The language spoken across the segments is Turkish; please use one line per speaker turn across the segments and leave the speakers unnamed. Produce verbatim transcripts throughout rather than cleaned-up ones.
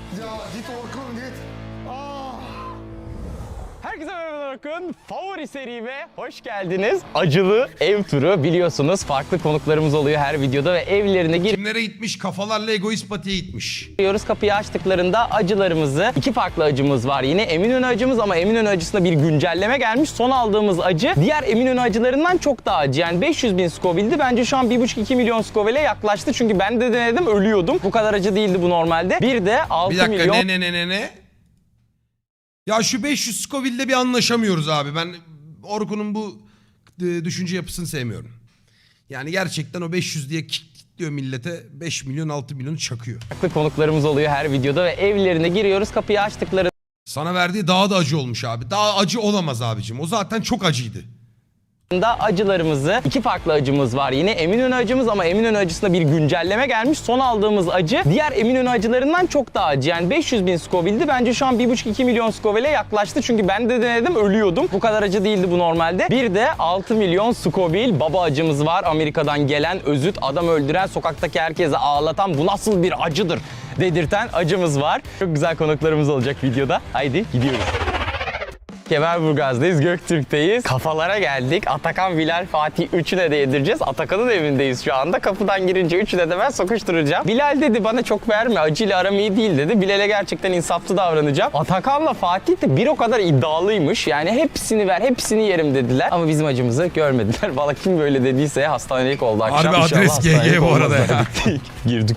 Ya git Orkun git. Ah.
Herkese merhaba Orkun. Favori serime hoş geldiniz. Acılı ev turu biliyorsunuz. Farklı konuklarımız oluyor her videoda ve evlerine
Kimlere gitmiş? Kafalarla egoist patiye gitmiş.
giriyoruz. Kapıyı açtıklarında acılarımızı, iki farklı acımız var yine. Eminönü acımız ama Eminönü acısında bir güncelleme gelmiş. Son aldığımız acı diğer Eminönü acılarından çok daha acı. Yani beş yüz bin Scoville'di. Bence şu an bir buçuk iki milyon Scoville'e yaklaştı. Çünkü ben de denedim, ölüyordum. Bu kadar acı değildi bu normalde. Bir de altı
Bir dakika
milyon...
ne ne ne ne ne? Ya şu beş yüz Scoville'de bir anlaşamıyoruz abi. Ben Orkun'un bu e, düşünce yapısını sevmiyorum. Yani gerçekten o beş yüz diye kilitliyor millete, beş milyon altı milyonu çakıyor.
Farklı konuklarımız oluyor her videoda ve evlerine giriyoruz. Kapıyı açtıklarında
Sana verdiği daha da acı olmuş abi. Daha acı olamaz abicim. O zaten çok acıydı.
acılarımızı, iki farklı acımız var yine. Eminönü acımız ama Eminönü acısında bir güncelleme gelmiş. Son aldığımız acı diğer Eminönü acılarından çok daha acı. Yani beş yüz bin Scoville'di. Bence şu an bir buçuk iki milyon Scoville'e yaklaştı. Çünkü ben de denedim, ölüyordum. Bu kadar acı değildi bu normalde. Bir de altı milyon Scoville baba acımız var. Amerika'dan gelen, özüt, adam öldüren, sokaktaki herkese ağlatan, bu nasıl bir acıdır dedirten acımız var. Çok güzel konuklarımız olacak videoda. Haydi gidiyoruz. Kemerburgaz'dayız, Göktürk'teyiz. Kafalara geldik. Atakan, Bilal, Fatih üçüne de yedireceğiz. Atakan'ın evindeyiz şu anda. Kapıdan girince üçüne de ben sokuşturacağım. Bilal dedi bana çok verme, acıyla aram iyi değil dedi. Bilal'e gerçekten insaflı davranacağım. Atakan'la Fatih de bir o kadar iddialıymış. Yani hepsini ver, hepsini yerim dediler. Ama bizim acımızı görmediler. Valla kim böyle dediyse hastanelik oldu akşam.
Harbi adres G G bu arada ya.
Girdik.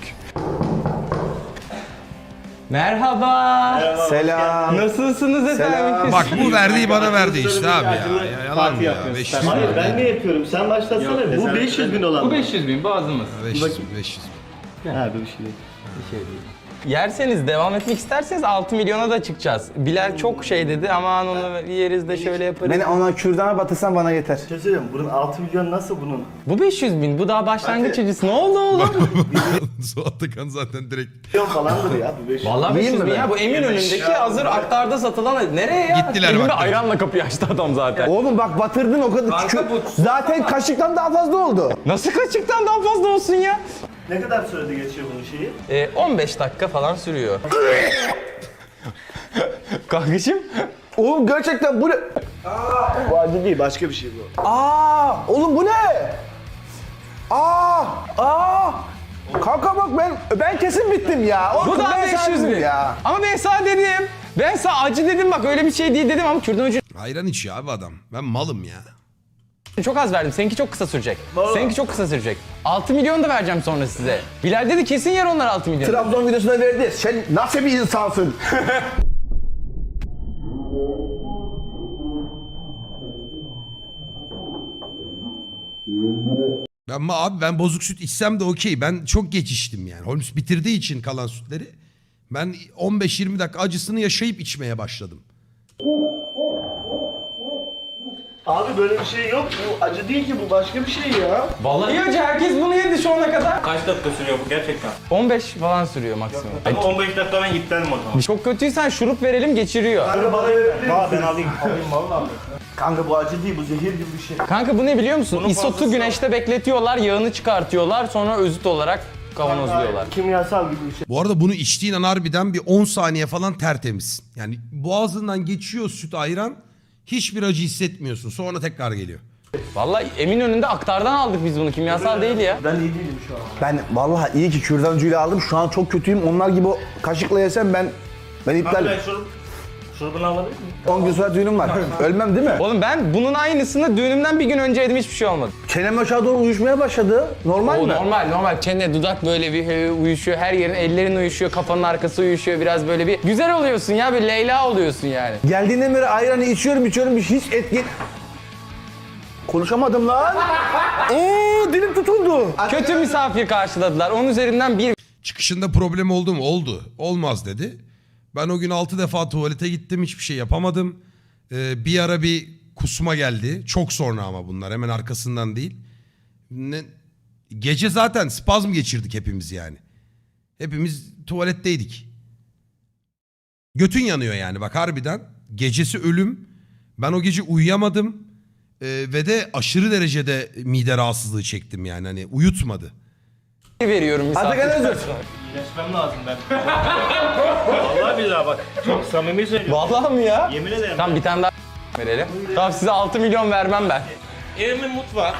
Merhaba.
Selam.
Nasılsınız efendim?
Selam.
Bak bu verdiği bana verdi işte abi ya. ya yalan
Parti
ya.
yapıyorsun
beş
sen.
yüz
Hayır
bin.
ben ne yapıyorum? Sen başlatsana bir. Bu beş yüz bin olan.
Bu
mı?
beş yüz bin boğazımız.
beş yüz, beş yüz.
Ha bir şey değil.
Yerseniz, devam etmek isterseniz altı milyona da çıkacağız. Bilal çok şey dedi, aman onu yeriz de şöyle yaparız.
Beni ona kürdana batırsan bana yeter.
Bir şey söyleyeyim. Bunun altı milyon nasıl bunun?
Bu beş yüz bin, bu daha başlangıç acısı. Ne oldu oğlum?
Suat Atakan zaten direkt.
Milyon falandır ya bu beş yüz.
Vallahi beş yüz bin
mi
ya.
ben?
Bu Eminönü'ndeki hazır aktarda satılan. Nereye ya?
Gittiler
Elinde
bak.
ayranla kapıyı açtı adam zaten.
Oğlum bak batırdın o kadar. Kü- Zaten kaşıktan daha fazla oldu.
Nasıl kaçıktan daha fazla olsun ya?
Ne kadar sürede geçiyor bunun şeyi?
Ee, on beş dakika falan sürüyor. Kankacığım.
Oğlum gerçekten bu ne?
Bu acı değil başka bir şey bu.
Aa, oğlum bu ne? Aa, aa. Kanka bak ben ben kesin bittim ya.
Bu
Orkun,
da
ben
beş yüz
sardım
bin.
ya.
Ama ben sana dedim. Ben sana acı dedim, bak öyle bir şey değil dedim ama kürdan ucu
Ayran içiyor abi adam. Ben malım ya.
çok az verdim. Seninki çok kısa sürecek. Seninki çok kısa sürecek. altı milyon da vereceğim sonra size. Bilal dedi kesin yer onlar altı milyon.
Trabzon videosuna verdi. Sen nasıl bir insansın?
Ben ma- abi ben bozuk süt içsem de okey. Ben çok geç içtim yani. Holmes bitirdiği için kalan sütleri. Ben on beş yirmi dakika acısını yaşayıp içmeye başladım.
Abi böyle bir şey yok. Bu acı değil ki bu başka bir şey ya.
Vallahi acı, herkes bunu yedi şu ana kadar.
Kaç dakika sürüyor bu gerçekten?
on beş falan sürüyor maksimum.
Ama on beş dakika ben iptalim o zaman.
Çok kötüysen şurup verelim, geçiriyor.
Kanka bana verebilir Bana ben alayım. Alayım vallahi. Kanka bu acı değil bu zehir gibi bir şey.
Kanka bu ne biliyor musun?
Bunun
İsotu
fazlası
güneşte bekletiyorlar, yağını çıkartıyorlar, sonra özüt olarak kavanozluyorlar.
Kimyasal gibi bir şey.
Bu arada bunu içtiğin an harbiden bir on saniye falan tertemiz. Yani boğazından geçiyor süt ayran. Hiçbir acı hissetmiyorsun. Sonra tekrar geliyor.
Vallahi Eminönü'nde aktardan aldık biz bunu, kimyasal değil ya.
Ben iyi değilim şu an.
Ben vallahi iyi ki kürdan ucuyla aldım. Şu an çok kötüyüm. Onlar gibi o kaşıkla yesem ben ben iptal.
Kanka ben şurup, şurubunu alabilir miyim?
on gün sonra düğünüm var. Ölmem değil mi?
Oğlum ben bunun aynısını düğünümden bir gün önce yedim, hiçbir şey olmadı.
Çenem aşağı doğru uyuşmaya başladı. Normal
O
mi?
normal normal, çene dudak böyle bir he, uyuşuyor, her yerin, ellerin uyuşuyor, kafanın arkası uyuşuyor, biraz böyle bir güzel oluyorsun ya, bir Leyla oluyorsun yani.
Geldiğinden beri ayranı içiyorum içiyorum hiç etki... Konuşamadım lan. Oo dilim tutuldu.
Kötü misafir karşıladılar, onun üzerinden bir
Çıkışında problem oldu mu? Oldu. Olmaz dedi. Ben o gün altı defa tuvalete gittim. Hiçbir şey yapamadım. Ee, bir ara bir kusma geldi. Çok sonra ama bunlar. Hemen arkasından değil. Ne? Gece zaten spazm geçirdik hepimiz yani. Hepimiz tuvaletteydik. Götün yanıyor yani bak harbiden. Gecesi ölüm. Ben o gece uyuyamadım. Ee, ve de aşırı derecede mide rahatsızlığı çektim yani. Hani uyutmadı.
veriyorum misafir.
Atakan Özür.
İyileşmem lazım ben. Vallahi billahi bak. Çok samimi söylüyorum.
Vallahi mi ya?
Yemin ederim.
Tamam bir tane daha verelim. Tamam size altı milyon vermem ben.
Evimin mutfağı.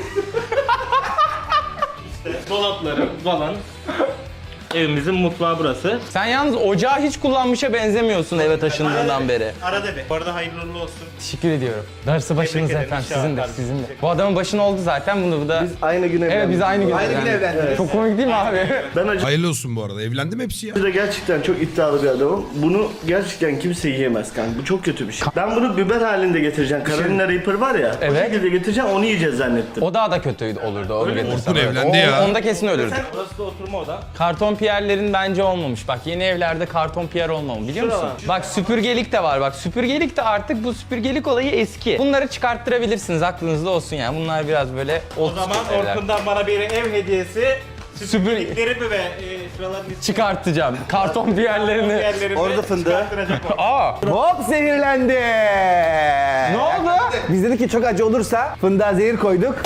İşte dolapları falan. Evimizin mutfağı burası.
Sen yalnız ocağı hiç kullanmışa benzemiyorsun eve taşındığından beri.
Arada bir. Bu arada hayırlı uğurlu olsun.
Teşekkür ediyorum. Darısı başınız
ederim,
efendim,
inşallah
sizin de,
kardeşim.
sizin de. Bu adamın başına oldu zaten, bunu bu da...
Biz aynı gün evlendik.
Evet biz aynı gün
Aynı gün
evlendik.
evlendik.
Çok komik değil mi abi?
Ben acı
Hayırlı olsun bu arada. Evlendim hepsi ya.
da gerçekten çok iddialı bir adamım. Bunu gerçekten kimse yiyemez kanka. Bu çok kötü bir şey. Ben bunu biber halinde getireceğim. Carolina Reaper var ya.
Evet.
O şekilde getireceğim, onu yiyeceğiz zannettim.
O daha da kötüydü olurdu onu getirsem.
Orkun
evet.
evlendi
O-
ya.
Onda kesin ölürdü.
Burası da oturma oda.
Karton piyerlerin bence olmamış. Bak yeni evlerde karton piyer olmamalı biliyor musun?
Şuralar.
Bak süpürgelik de var bak. Süpürgelik de artık bu süpürgelik olayı eski. Bunları çıkarttırabilirsiniz aklınızda olsun yani. Bunlar biraz böyle old
O zaman
school evler.
Orkun'dan bana bir ev hediyesi. Süpürgeliklerimi ve e, şuraların içine
Çıkartacağım. Karton piyerlerini.
yerlerimi
Orada fındığı.
çıkarttıracak o.
Aa!
Hop zehirlendi.
Ne oldu?
Biz dedik ki çok acı olursa fındığa zehir koyduk.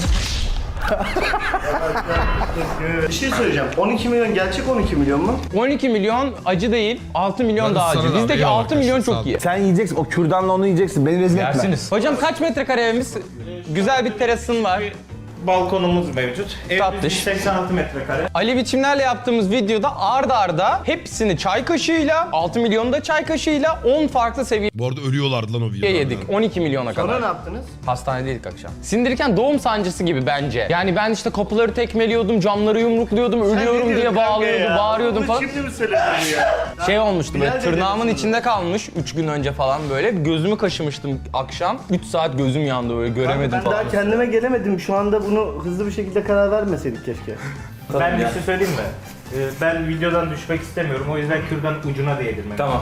Bir şey söyleyeceğim. on iki milyon gerçek on iki milyon mu?
on iki milyon acı değil, altı milyon
Ben
daha
sana
acı.
da
Bizdeki
eyvallah
altı milyon
arkadaşlar, sağ
çok
ol.
iyi.
Sen yiyeceksin. O kürdanla onu yiyeceksin. Beni rezil etme.
Yersiniz. Hocam kaç metrekare evimiz? Güzel bir terasın var.
Balkonumuz mevcut. Evimiz
Tatlış.
yüz seksen altı metrekare.
Ali biçimlerle yaptığımız videoda ard arda hepsini çay kaşığıyla, altı milyonu da çay kaşığıyla on farklı seviyeye
Bu arada ölüyorlardı lan o videolarda.
yedik. on iki milyona
Sonra
kadar.
ne yaptınız?
Hastanedeydik akşam. Sindirirken doğum sancısı gibi bence. Yani ben işte kapıları tekmeliyordum, camları yumrukluyordum, ölüyorum diye bağlıyordum, bağırıyordum falan.
Şimdi mi söyledin ya?
Şey olmuştu böyle
Bilal de
tırnağımın
dedi
içinde kalmış üç gün önce falan böyle. Gözümü kaşımıştım akşam. üç saat gözüm yandı böyle göremedim
Ben
falan.
daha kendime gelemedim. Şu anda bunu hızlı bir şekilde karar vermeseydik keşke.
Ben bir şey söyleyeyim mi? Ee, ben videodan düşmek istemiyorum. O yüzden kürdan ucuna değdirmek
Tamam.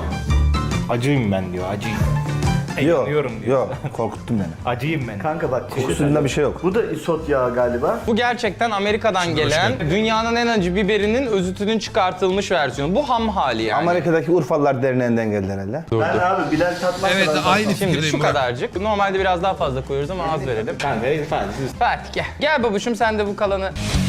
Acıyım ben diyor, acıyım.
Yok.
Yanıyorum diyor.
Yok. Korkuttun beni.
Acıyım ben.
Kanka bak.
Kokusunda bir şey yok.
Bu da isot yağı galiba.
Bu gerçekten Amerika'dan gelen dünyanın en acı biberinin özütünün çıkartılmış versiyonu. Bu ham hali yani.
Amerika'daki Urfalılar derneğinden geldi herhalde.
Ben abi Bilal tatmaz.
Evet aynı
Şimdi
fikirdeyim
şu
Burak.
kadarcık. Normalde biraz daha fazla koyuyoruz ama az verelim.
Kanka falan.
Fatih gel. Gel babuşum sen de bu kalanı.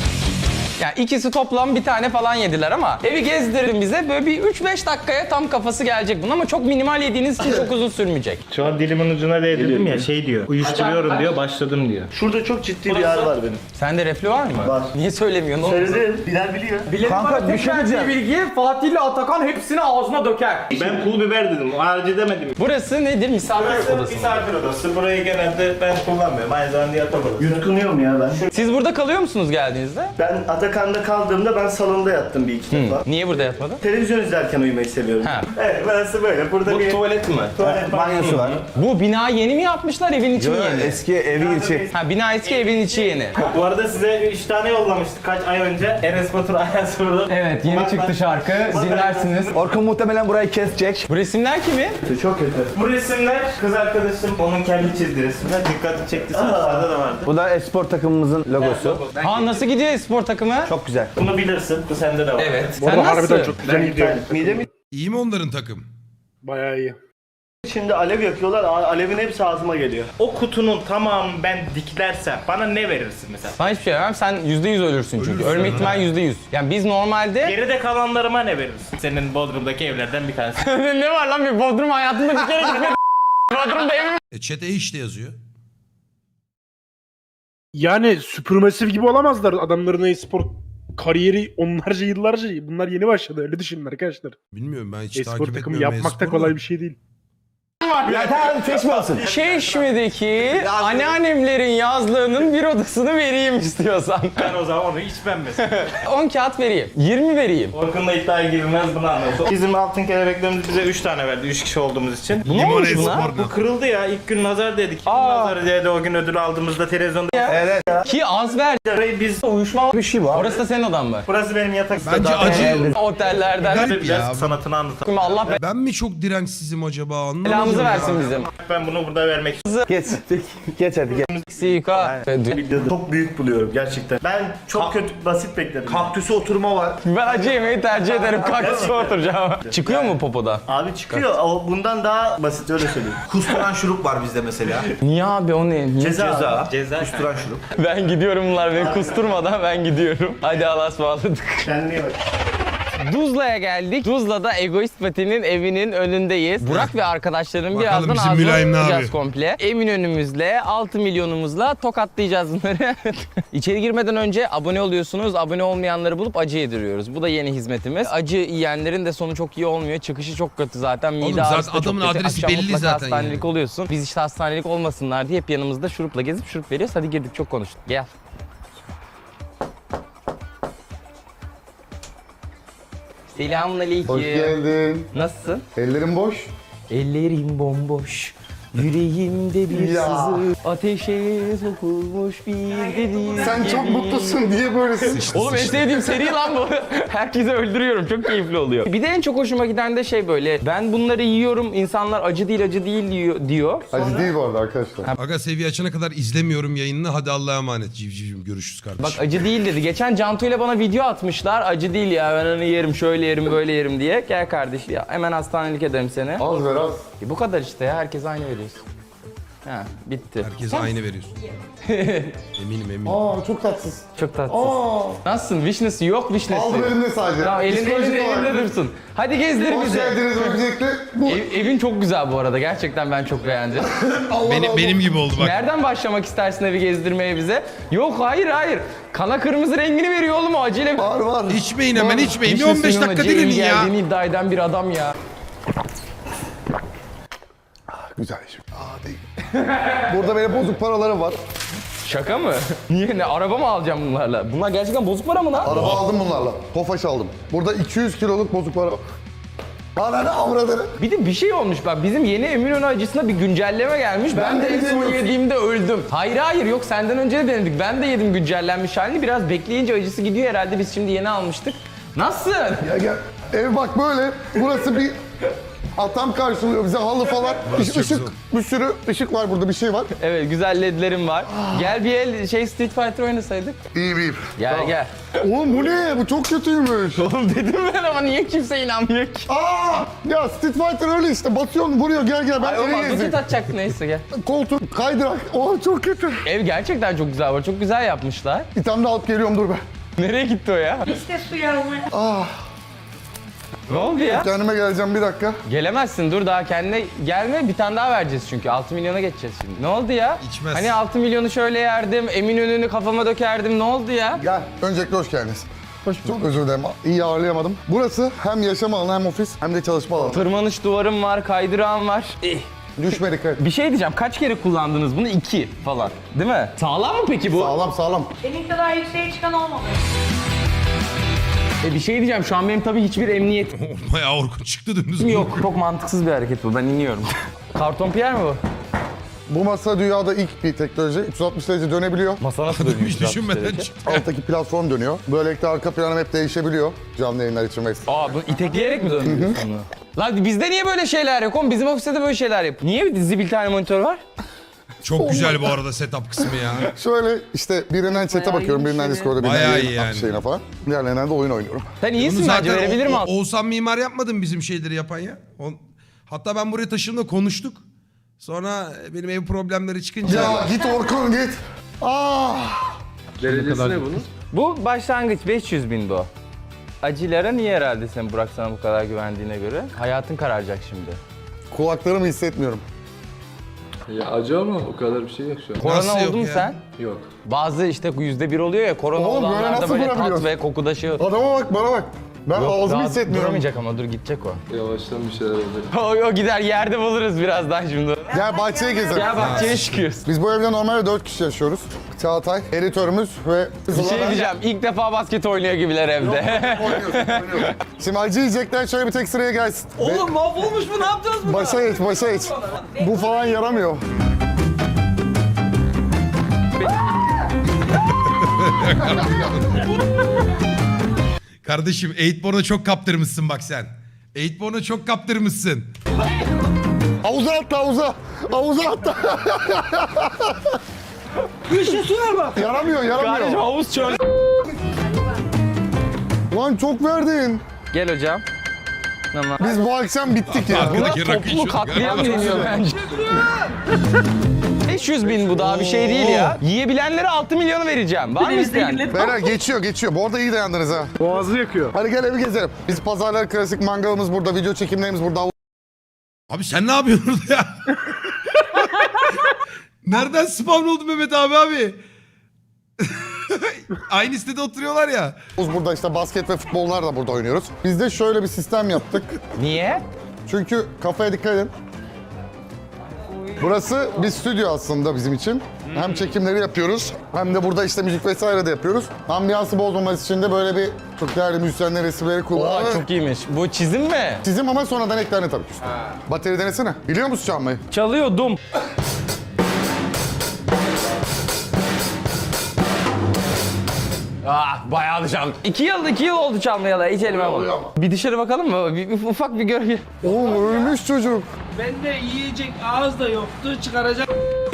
Yani ikisi toplam bir tane falan yediler ama evi gezdirin bize böyle bir üç beş dakikaya tam kafası gelecek bunun ama çok minimal yediğiniz için çok uzun sürmeyecek.
Şu an dilimin ucuna değdirdim ya şey diyor. Uyuşturuyorum diyor, başladım diyor.
Şurada çok ciddi bir yer var benim.
Sende reflü var mı?
Var.
Niye söylemiyorsun oğlum?
Söyledim. Bilal biliyor.
Kanka bir şey diyeceğim.
bilgiyi Fatih ile Atakan hepsini ağzına döker.
Ben pul biber dedim, o acı demedim.
Burası nedir? Misafir
Burası
odası mı?
misafir odası. Burayı genelde ben kullanmıyorum. Aynı zamanda yatak odası.
Yutkunuyorum ya ben.
Siz burada kalıyor musunuz geldiğinizde?
Ben Atakan'da kaldığımda ben salonda yattım bir iki defa.
Niye burada yatmadın?
Televizyon izlerken uyumayı seviyorum.
Ha.
Evet burası böyle. Burada bir
tuvalet mi?
tuvalet
Banyosu var.
Bu bina yeni mi yapmışlar evin içi mi
Yo,
yeni?
eski evi içi.
Ha bina eski evin içi yeni.
Bu arada size üç tane yollamıştık kaç ay önce. Enes Batur Ayaz Sordu.
Evet yeni çıktı şarkı dinlersiniz.
Orkun muhtemelen burayı kesecek.
Bu resimler kimin?
Çok kötü.
Bu resimler kız arkadaşım onun kendi çizdiği resimler. Dikkati çekti sayfalarda da vardı.
Bu da espor takımımızın logosu.
Ha nasıl gidiyor spor takımı?
Çok güzel.
Bunu bilirsin. Bu sende de var.
Evet.
Bu arada
Sen
harbiden
nasıl?
çok güzel gidiyor.
Midemi
İyi mi onların takım?
Bayağı iyi.
şimdi alev yakıyorlar. a- Alevin hepsi ağzıma geliyor.
O kutunun tamamını ben diklersem bana ne verirsin mesela?
Sana hiçbir şey vermem. Sen yüzde yüz ölürsün çünkü.
Ölürsün
Ölme
ha.
ihtimali yüzde yüz. Yani biz normalde...
Geride kalanlarıma ne verirsin? Senin Bodrum'daki evlerden bir tanesi.
ne var lan bir Bodrum hayatımda bir kere gitmedim. Bodrum'da evim.
E chat'e işte yazıyor.
Yani süpürmasif gibi olamazlar adamların e-spor kariyeri onlarca yıllarca. Bunlar yeni başladı öyle düşünün arkadaşlar.
Bilmiyorum ben hiç
E-spor
takip
takımı
etmiyorum.
yapmak da
e-sporu
kolay bir şey değil.
Ya tamam seçme olsun.
Çeşme'deki anneannemlerin yazlığının bir odasını vereyim istiyorsan.
Ben o zaman onu içmem mesela.
on kağıt vereyim. yirmi vereyim.
Orkun'la iddiaya girilmez bunu anladım. Bizim altın kelebeklerimiz bize üç tane verdi üç kişi olduğumuz için.
Ne
Limon
olmuş buna?
e-spor
Bu kırıldı ya ilk gün nazar dedik. Kim
Aa.
nazar dedi o gün ödül aldığımızda televizyonda.
Evet.
Ki az ver.
Burayı biz
Uyuşma.
Bir şey var.
Orası da senin odan mı?
burası benim yatak.
Bence acı.
Otellerden.
Garip
Biraz
ya.
sanatını anlatalım.
Allah
Ben mi çok dirençsizim acaba anlamadım.
belamızı
ya.
versin bizim.
Ben bunu burada vermek istiyorum.
Geç. Geç hadi geç.
Sika.
Çok büyük buluyorum gerçekten. Ben çok kötü basit bekledim.
Kaktüsü oturma var.
Ben acı yemeği tercih ederim. Kaktüse oturacağım. Çıkıyor mu popoda?
Abi çıkıyor. O bundan daha basit öyle söyleyeyim.
Kusturan şurup var bizde mesela.
Niye abi o ne? Niye?
Ceza.
Ceza.
Ceza.
Kusturan şurup.
Ben gidiyorum bunlar beni kusturmadan ben gidiyorum. Hadi Allah'a ısmarladık.
Kendine bak.
Tuzla'ya geldik. Tuzla'da Egoist Pati'nin evinin önündeyiz. Burak ve arkadaşlarım
Bakalım
birazdan
bizim
ağzına
mülayim ne
yapacağız
yapıyor?
komple. Eminönümüzle, altı milyonumuzla tokatlayacağız bunları. İçeri girmeden önce abone oluyorsunuz. Abone olmayanları bulup acı yediriyoruz. Bu da yeni hizmetimiz. Acı yiyenlerin de sonu çok iyi olmuyor. Çıkışı çok kötü zaten. Mide
Oğlum zaten
ağrısı da çok
adamın
kötü.
adresi
Akşam
belli
mutlaka
zaten
hastanelik
yani.
oluyorsun. Biz işte hastanelik olmasınlar diye hep yanımızda şurupla gezip şurup veriyoruz. Hadi girdik, çok konuştuk. Gel. Selamünaleyküm.
Hoş geldin.
Nasılsın?
Ellerim boş.
Ellerim bomboş, yüreğimde bir
Ya.
sızı, ateşe sokulmuş bir deniz
Sen çok
gibi.
mutlusun diye böylesin.
Oğlum en sevdiğim seri lan bu. Herkesi öldürüyorum, çok keyifli oluyor. Bir de en çok hoşuma giden de şey böyle, ben bunları yiyorum, insanlar acı değil acı değil diyor. diyor.
Acı değil bu arada arkadaşlar.
Aga seviye açana kadar izlemiyorum yayınını. Hadi Allah'a emanet civcivim. Görüşürüz kardeşim.
Bak acı değil dedi. Geçen Cantu ile bana video atmışlar. Acı değil ya, ben onu yerim, şöyle yerim, böyle yerim diye. Gel kardeş ya, hemen hastanelik ederim seni.
Az ver az.
E, bu kadar işte ya, herkes aynı veriyorsun. Ha, bitti.
Herkese aynı veriyorsun. eminim eminim.
Aa çok tatsız.
Çok tatsız.
Aa.
Nasılsın? Vişnesi yok vişnesi.
Aldım elimde sadece.
Tamam, elinde,
Psikolojik
elinde,
olarak.
elinde dursun. Hadi gezdir
Hoş
bizi.
geldiniz öncelikle. Bu.
Ev- evin çok güzel bu arada. Gerçekten ben çok beğendim.
Allah
Benim,
Allah.
benim gibi oldu bak.
Nereden başlamak istersin evi gezdirmeye bize? Yok hayır hayır. Kana kırmızı rengini veriyor oğlum o acıyla.
Var var.
İçmeyin hemen içmeyin. Bir on beş
Vişnesinin
dakika
acıya iyi
dinlenin ya.
geldiğini iddia eden bir adam ya.
Güzel iş. Aa değil. Burada benim bozuk paralarım var.
Şaka mı? Niye ne? Araba mı alacağım bunlarla? Bunlar gerçekten bozuk para mı lan?
Araba aldım bunlarla. Tofaş aldım. Burada iki yüz kiloluk bozuk para var. Ananı avradını.
Bir de bir şey olmuş bak, bizim yeni Eminönü acısına bir güncelleme gelmiş. Ben,
Ben
de
de
en son
yemiyorum.
yediğimde öldüm. Hayır hayır yok, senden önce de denedik. Ben de yedim güncellenmiş halini. Biraz bekleyince acısı gidiyor herhalde. Biz şimdi yeni almıştık. Nasıl?
Ya gel. Ev bak böyle. Burası bir atam karşılıyor bize, halı falan.
Burası
Iş-
çok
ışık,
güzel.
bir sürü ışık var burada, bir şey var.
Evet, güzel ledlerim var. Gel bir el şey Street Fighter oynasaydık.
İyi bir.
Gel gel.
Oğlum bu ne? Bu çok kötüymüş.
Oğlum dedim ben ama niye kimse inanmıyor ki?
Aa! Ya Street Fighter öyle işte. Basıyorsun, vuruyor. Gel gel. Ben
Ay oğlum
eve
adı
gezeyim.
atacaktı, neyse gel.
Koltuk, kaydırak. Oh çok kötü.
Ev gerçekten çok güzel var. Çok güzel yapmışlar.
Bir tane de alıp geliyorum, dur be.
Nereye gitti o ya?
İşte su yağmaya.
Ah!
Ne oldu ya?
Kendime geleceğim bir dakika.
Gelemezsin, dur daha kendine gelme, bir tane daha vereceğiz çünkü altı milyona geçeceğiz şimdi. Ne oldu ya?
İçmez.
Hani altı milyonu şöyle yerdim, Eminönü'nü kafama dökerdim, ne oldu ya?
Gel. Öncelikle hoş geldiniz. Hoş Çok özür dilerim. İyi ağırlayamadım. Burası hem yaşam alanı hem ofis hem de çalışma alanı.
Tırmanış duvarım var, kaydırağım var. Eh.
Düşmedik. evet.
Bir şey diyeceğim, kaç kere kullandınız bunu? İki falan. Değil mi? Sağlam mı peki bu?
Sağlam sağlam.
Senin kadar yükseğe çıkan olmadı.
E bir şey diyeceğim, şu an benim tabii hiçbir emniyetim
Bayağı Orkun çıktı dümdüz.
yok. Çok mantıksız bir hareket bu, ben iniyorum. Karton piyer mi bu?
Bu masa dünyada ilk bir teknoloji. üç yüz altmış derece dönebiliyor.
Masa nasıl
Hiç düşünmeden çıktı.
Alttaki platform dönüyor. Böylelikle arka planım hep değişebiliyor. Canlı yayınlar için mesela.
Aa, bunu itekleyerek mi döndürüyorsun bunu? Lan bizde niye böyle şeyler yok oğlum? Bizim ofiste de böyle şeyler yap. Niye bir dizi bir tane monitör var?
Çok güzel bu arada setup kısmı ya.
Şöyle işte birinden chat'e bakıyorum, birinden Discord'a, birinden
Bayağı
yayın
iyi yani.
şeyine falan. Diğerlerinden de oyun oynuyorum.
Sen
Bunu
iyisin bence, verebilirim
O- O-
aslında.
Oğuzhan Mimar yapmadı mı bizim şeyleri yapan ya? O- Hatta ben buraya taşındığımda konuştuk. Sonra benim ev problemleri çıkınca...
Ya git Orkun git. Ah!
Bu başlangıç beş yüz bin bu. Acılara niye herhalde sen Burak sana bu kadar güvendiğine göre? Hayatın kararacak şimdi.
Kulaklarımı hissetmiyorum.
Ya acı ama o kadar bir şey yok şu an.
Korona
Nasıl yok
oldu mu
ya?
sen?
Yok.
Bazı işte yüzde bir oluyor ya, korona
Oğlum, böyle
olanlarda
nasıl
böyle tat
durabiliyorsun?
ve kokuda şey yok.
Adama bak, bana bak. Ben ağzımı
Rahat
hissetmiyorum.
duramayacak ama dur, gidecek o.
Yavaştan bir şeyler olacak.
o. O gider, yerde buluruz birazdan şimdi.
Gel bahçeye gezelim.
Gel bahçeye çıkıyoruz.
Biz bu evde normalde dört kişi yaşıyoruz. Çağatay, editörümüz ve...
Bir şey diyeceğim, ilk defa basket oynuyor gibiler evde.
Şimdi acı yiyecekler, şöyle bir tek sıraya gelsin.
Oğlum mahvolmuş bu, ne yapacağız bunu?
Başa geç, başa geç. Bu falan yaramıyor.
Kardeşim Eightborn'a çok kaptırmışsın bak sen. Eightborn'a çok kaptırmışsın.
Havuza atla, havuza. Havuza atla. Yaramıyor,
Kardeşim
yaramıyor.
havuz çöl.
Lan çok verdin.
Gel hocam. Tamam.
Biz bu akşam bittik ya.
Arkadaki
Buna
rakı
toplu
içiyorduk
katliam
galiba.
deniyor bence. beş yüz bin bu daha bir şey değil ya. Yiyebilenlere altı milyonu vereceğim. Var mı isteyen?
Beyler geçiyor geçiyor. Bu arada iyi dayandınız ha.
Boğazı yakıyor.
Hadi gel evi gezelim. Biz pazarlar klasik mangalımız burada, video çekimlerimiz burada.
Abi sen ne yapıyorsun orada ya? Nereden spawn oldu Mehmet abi abi? Aynı sitede oturuyorlar ya.
Havuz burada, işte basket ve futbollar da burada oynuyoruz. Biz de şöyle bir sistem yaptık.
Niye?
Çünkü kafaya dikkat edin. Burası bir stüdyo aslında bizim için. Hem çekimleri yapıyoruz hem de burada işte müzik vesaire de yapıyoruz. Ambiyansı bozmaması için de böyle bir çok değerli müzisyenler resimleri
Aa,
kullanıyoruz.
çok iyiymiş. Bu çizim mi?
Çizim ama sonradan eklendi tabii ki. Bateri denesene. Biliyor musun çalmayı?
Çalıyordum. Ah bayağı da çaldım. İki yıl, iki yıl oldu çalmayalı. Hiç elime almadım. Bir dışarı bakalım mı? Bir, bir ufak bir gör.
Oğlum ölmüş çocuk.
Bende yiyecek ağız da yoktu, çıkaracak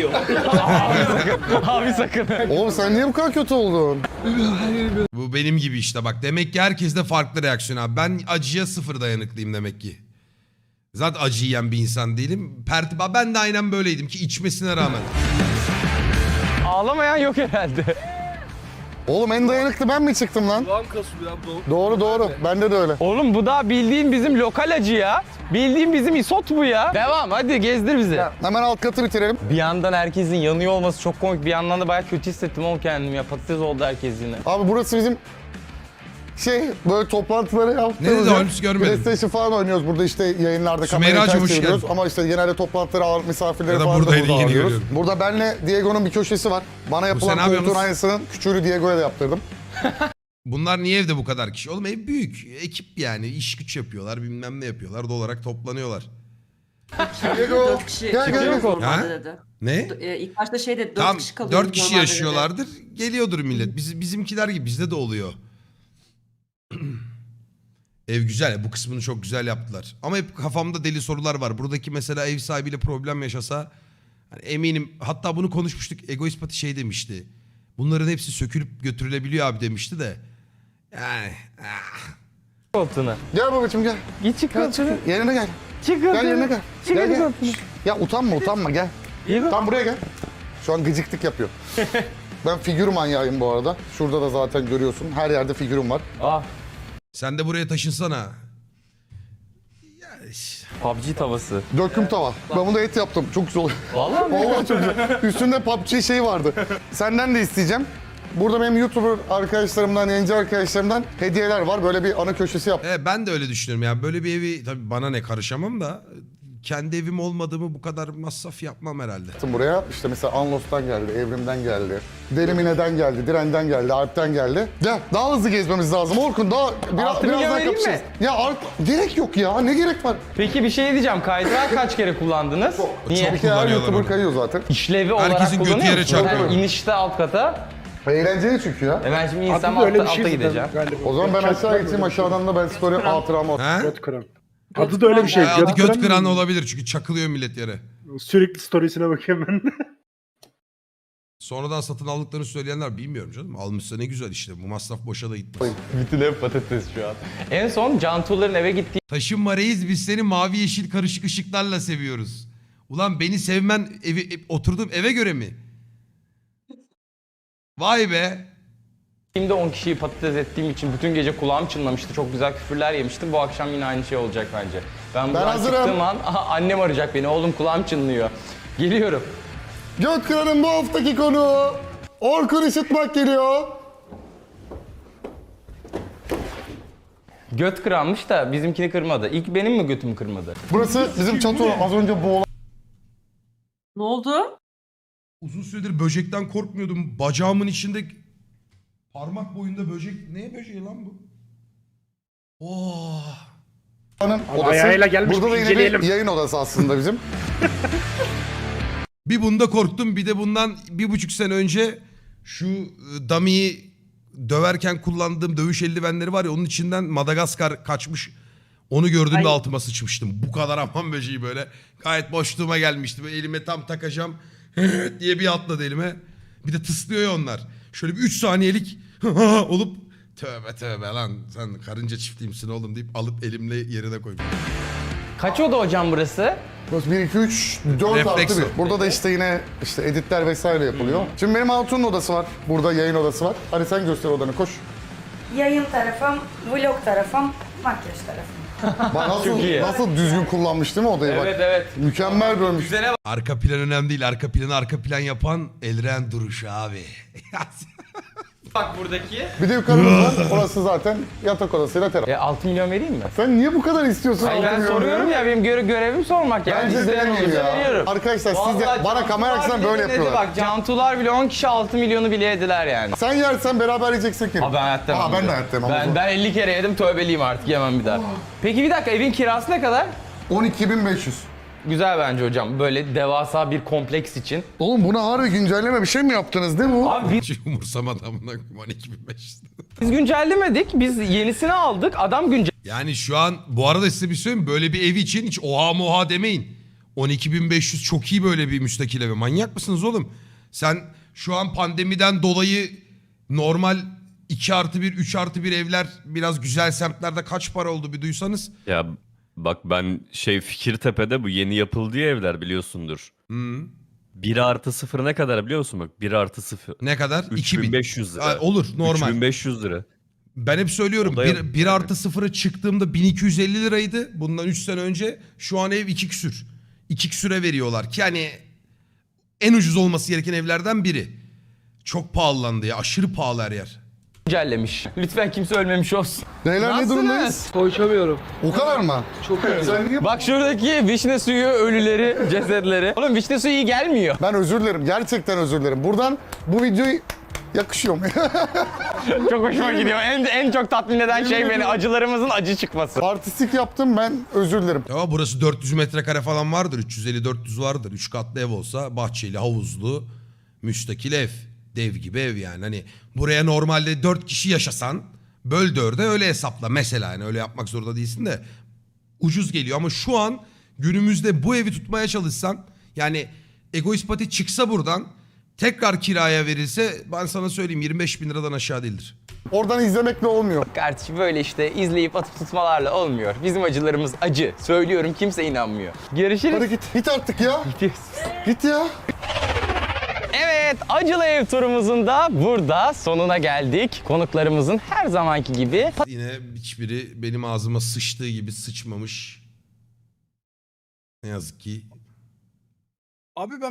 Abi sakın.
Oğlum sen niye bu kadar kötü oldun?
Bu benim gibi işte bak. Demek ki herkeste farklı reaksiyon abi. Ben acıya sıfır dayanıklıyım demek ki. Zaten acı yiyen bir insan değilim. Pertiba ben de aynen böyleydim ki içmesine rağmen.
Ağlamayan yok herhalde.
Oğlum en dayanıklı ben mi çıktım lan?
Kulağım kasıyor ya. Doğru.
Doğru doğru. Bende de öyle.
Oğlum bu da bildiğin bizim lokal acı ya. Bildiğin bizim isot bu ya. Devam hadi gezdir bizi.
Hemen alt katı bitirelim.
Bir yandan herkesin yanıyor olması çok komik. Bir yandan da bayağı kötü hissettim oğlum kendimi ya. Patates oldu herkes yine.
Abi burası bizim şey böyle toplantıları yaptığımız
Ne dedi
yer.
Holmes, görmedim.
PlayStation falan oynuyoruz burada, işte yayınlarda
Sümeyra'cığım,
kamerayı ters
hoş
çeviriyoruz.
geldin.
Ama işte genelde toplantıları, ağırlık misafirleri
Ya da
falan da
buradaydı,
burada
yeni
ağırlıyoruz.
görüyorum.
Burada benle Diego'nun bir köşesi var. Bana yapılan
sen ne
koltuğun
yapıyorsunuz?
aynısının küçüğünü Diego'ya da yaptırdım.
Bunlar niye evde bu kadar kişi? Oğlum ev büyük. Ekip yani. İş güç yapıyorlar. Bilmem ne yapıyorlar. Doğal olarak toplanıyorlar.
Diego
Dört kişi
gel gel gel.
kalıyoruz
Ha?
normalde dedi.
Ne?
Ee, İlk başta şey dedi, dört
Tam
kişi kalıyoruz
dört kişi
normalde dedi.
yaşıyorlardır. Geliyordur millet. Biz, bizimkiler gibi. Bizde de oluyor. Ev güzel. Bu kısmını çok güzel yaptılar. Ama hep kafamda deli sorular var. Buradaki mesela ev sahibiyle problem yaşasa hani eminim, hatta bunu konuşmuştuk. Egoist Pati şey demişti. Bunların hepsi sökülüp götürülebiliyor abi demişti de. Yani ah.
Koltuğuna.
Gel babacığım gel.
Git çık
Gel
koltuğuna.
çık. Yerine gel.
Çık
Gel
koltuğuna.
yerine gel.
Çık
Gel
hadi
gel.
koltuğuna.
Ya utanma utanma gel.
İyi bak.
Tam buraya gel. Şu an gıcıklık yapıyor. Ben figür manyağıyım bu arada. Şurada da zaten görüyorsun. Her yerde figürüm var.
Ah.
Sen de buraya taşınsana. Ya işte.
P U B G tavası.
Döküm tava. Ben bunu et yaptım. Çok güzel oluyor.
Vallahi mi?
Vallahi çok güzel. Üstünde P U B G şey vardı. Senden de isteyeceğim. Burada benim YouTuber arkadaşlarımdan, yayıncı arkadaşlarımdan hediyeler var. Böyle bir ana köşesi yaptım
Evet, ben de öyle düşünüyorum. Yani böyle bir evi tabii bana ne, karışamam da kendi evim olmadığımı bu kadar masraf yapmam herhalde.
buraya. İşte mesela Anlos'tan geldi, Evrim'den geldi, Delimine'den geldi, Diren'den geldi, Alp'ten geldi. Gel daha hızlı gezmemiz lazım. Orkun daha biraz,
Altı milyon
biraz daha
vereyim
kapışırız.
mi?
Ya art, gerek yok ya. Ne gerek var?
Peki bir şey diyeceğim. Kaydırağı kaç kere kullandınız? Niye?
Çok
Bir kere her
kullanıyorlar
YouTuber
onu.
kayıyor zaten.
İşlevi olarak
Herkesin götü
kullanıyor
yere
musun?
çarpıyor.
Yani İnişte alt kata.
Eğlenceli çünkü ya.
E ben şimdi
Adı
insem
da öyle
altta,
bir şey
alta
zaten
gideceğim.
galiba.
O zaman ben
Göt
aşağı
kıran
geçeyim,
mı?
aşağıdan da ben story hatıramı atayım.
Ha?
Göt kıran. Adı da öyle bir şey.
Ay, adı göt kıran
mı?
olabilir çünkü çakılıyor millet yere.
Sürekli storiesine bakıyorum ben.
Sonradan satın aldıklarını söyleyenler bilmiyorum canım. Almışsa ne güzel işte. Bu masraf boşa da gitmez.
Bütün ev patates şu an. En son Can Tuğlar'ın eve gittiği
Taşınma reis, biz seni mavi yeşil karışık ışıklarla seviyoruz. Ulan beni sevmen evi, ev- oturduğum eve göre mi? Vay be.
Şimdi on kişiyi patates ettiğim için bütün gece kulağım çınlamıştı. Çok güzel küfürler yemiştim. Bu akşam yine aynı şey olacak bence. Ben buradan
hazırım.
çıktığım an aha, annem arayacak beni. Oğlum kulağım çınlıyor. Geliyorum.
Göt kıranın bu haftaki konuğu Orkun Işıtmak geliyor.
Göt kıranmış da bizimkini kırmadı. İlk benim mi götümü kırmadı?
Burası bizim çatı, az önce boğulan.
Ne oldu?
Uzun süredir böcekten korkmuyordum. Bacağımın içinde parmak boyunda böcek. Ne böceği lan bu? Oh.
odası.
ayağıyla gelmiş,
Burada da
bir
yine bir
inceleyelim.
yayın odası aslında bizim.
Bir bunda korktum, bir de bundan bir buçuk sene önce şu e, dummies döverken kullandığım dövüş eldivenleri var ya, onun içinden Madagaskar kaçmış. Onu gördüğümde
Ay.
altıma sıçmıştım. Bu kadar aman böceği böyle. Gayet boşluğuma gelmişti. Böyle elime tam takacağım diye bir atladı elime. Bir de tıslıyor ya onlar. Şöyle bir üç saniyelik olup tövbe tövbe lan sen karınca çiftliğimsin oğlum deyip alıp elimle yerine koydum.
Kaç oda hocam burası?
Burası bir, iki, üç, dört artı
Refleks
bir.
o.
Burada da işte yine işte editler vesaire yapılıyor. Şimdi benim Hatun'un odası var. Burada yayın odası var. Hadi sen göster odanı, koş.
Yayın tarafım, vlog tarafım, makyaj tarafım.
Bak nasıl,
Çok iyi.
nasıl düzgün kullanmış değil mi odayı bak.
Evet evet.
Mükemmel görmüş.
Arka plan önemli değil. Arka planı arka plan yapan Elren duruşu abi.
Bak buradaki.
Bir de yukarımız var. Orası zaten yatak odasıyla terap.
E, altı milyon vereyim mi?
Sen niye bu kadar istiyorsun?
Hayır, ben
Anlamıyorum
soruyorum ya, benim göre görevim sormak yani.
Bence
İsteyen
deneyim
olursa
ya.
veriyorum.
Arkadaşlar siz de
Vallahi
bana kamera
Cantular
açısından
bile
böyle
denedi
yapıyorlar.
Bak Cantular bile on kişi altı milyonu bile yediler yani.
Sen yersen beraber yiyeceksek yerim.
Aa, ben hayatta
Aa, ben de hayatta yemem.
Ben, ben elli kere yedim, tövbeliyim artık, yemem bir daha. Peki bir dakika, evin kirası ne kadar?
on iki bin beş yüz.
Güzel bence hocam, böyle devasa bir kompleks için.
Oğlum buna harbi güncelleme bir şey mi yaptınız değil mi bu?
Abi
Hiç umursamadı amına koyayım on iki bin beş yüz.
biz güncellemedik, biz yenisini aldık, adam güncel...
Yani şu an bu arada size bir söyleyeyim mi? Böyle bir ev için hiç oha moha demeyin. on iki bin beş yüz çok iyi böyle bir müstakil evi. Manyak mısınız oğlum? Sen şu an pandemiden dolayı normal iki artı bir, üç artı bir evler biraz güzel semtlerde kaç para oldu bir duysanız.
Ya bak ben şey Fikirtepe'de bu yeni yapıldığı evler biliyorsundur.
Hı.
bir artı sıfır ne kadar biliyor musun bak? bir artı sıfır.
Ne kadar? iki bin.
üç bin beş yüz lira.
Ha, olur normal.
üç bin beş yüz lira.
Ben hep söylüyorum
O da yok
bir, bir artı sıfıra çıktığımda bin iki yüz elli liraydı. Bundan üç sene önce şu an ev iki küsür. iki küsüre veriyorlar ki yani en ucuz olması gereken evlerden biri. Çok pahalandı ya, aşırı pahalı her yer.
güncellemiş. Lütfen kimse ölmemiş olsun.
Beyler ne
Nasılsınız?
durumdayız?
Konuşamıyorum.
O kadar mı?
Çok iyi.
Sen niye...
Bak şuradaki vişne suyu ölüleri, cesetleri. Oğlum vişne suyu iyi gelmiyor.
Ben özür dilerim. Gerçekten özür dilerim. Buradan bu videoyu yakışıyor mu?
Çok hoşuma gidiyor. En, en çok tatmin eden şey beni, acılarımızın acı çıkması.
Artistik yaptım, ben özür dilerim.
Ya burası dört yüz metrekare falan vardır. üç yüz elli dört yüz vardır. üç katlı ev olsa bahçeli, havuzlu, müstakil ev. Dev gibi ev yani. Hani buraya normalde dört kişi yaşasan böl dörde öyle hesapla. Mesela yani öyle yapmak zorunda değilsin de ucuz geliyor. Ama şu an günümüzde bu evi tutmaya çalışsan yani Egoist Pati çıksa buradan tekrar kiraya verilse ben sana söyleyeyim yirmi beş bin liradan aşağı değildir.
Oradan izlemekle olmuyor.
Kardeşim böyle işte izleyip atıp tutmalarla olmuyor. Bizim acılarımız acı. Söylüyorum, kimse inanmıyor. Görüşürüz.
Hadi git. Git artık ya.
Gidiyoruz.
Git ya.
Evet, acılı ev turumuzun da burada sonuna geldik. Konuklarımızın her zamanki gibi
Yine hiçbiri benim ağzıma sıçtığı gibi sıçmamış. Ne yazık ki.
Abi ben